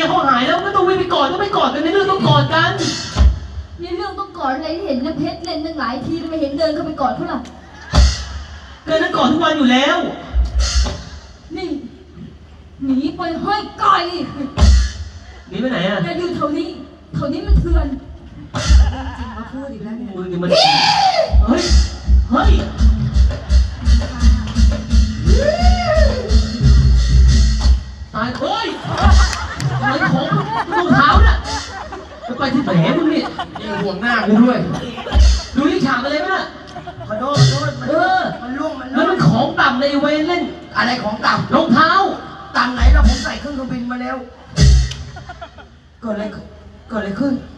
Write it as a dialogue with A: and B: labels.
A: เขาหายแล้วก็ต้องวิ่งไปกอดก็ไม่กอดกันในเรื่องต้องกอดกัน
B: นี่เรื่องต้องกอดอะไรที่เห็นนะเพชรเล่นตั้งหลายทีทำไมเห็นเดินเข้าไปกอดเขาล่ะ
A: เกินนั้นกอดทุกวันอยู่แล้ว
B: นี่หนีไปให้ไกล
A: หนีไปไหนอ่ะ
B: อย่าอยู่แถวนี้มันเถื่อน
C: จริงมาพูดอีกแล้วเนี่ย
A: มึงมันเฮ้ยตายเฮ้ยอะไรของรองเท้าน่ะจะไปที่แผลมึงนี่ยังห่วงหน้ากูด้วยดูที่ฉากอะไรมั้ยน่ะ
C: ขอโทษมันล่วง
A: แล้วมันของต่ำในเวรเล่น
C: อะไรของต่
A: ำรองเท้า
C: ต่ำไหนเราผมใส่เครื่องบินมาแล้วเกิดอะไรขึ้น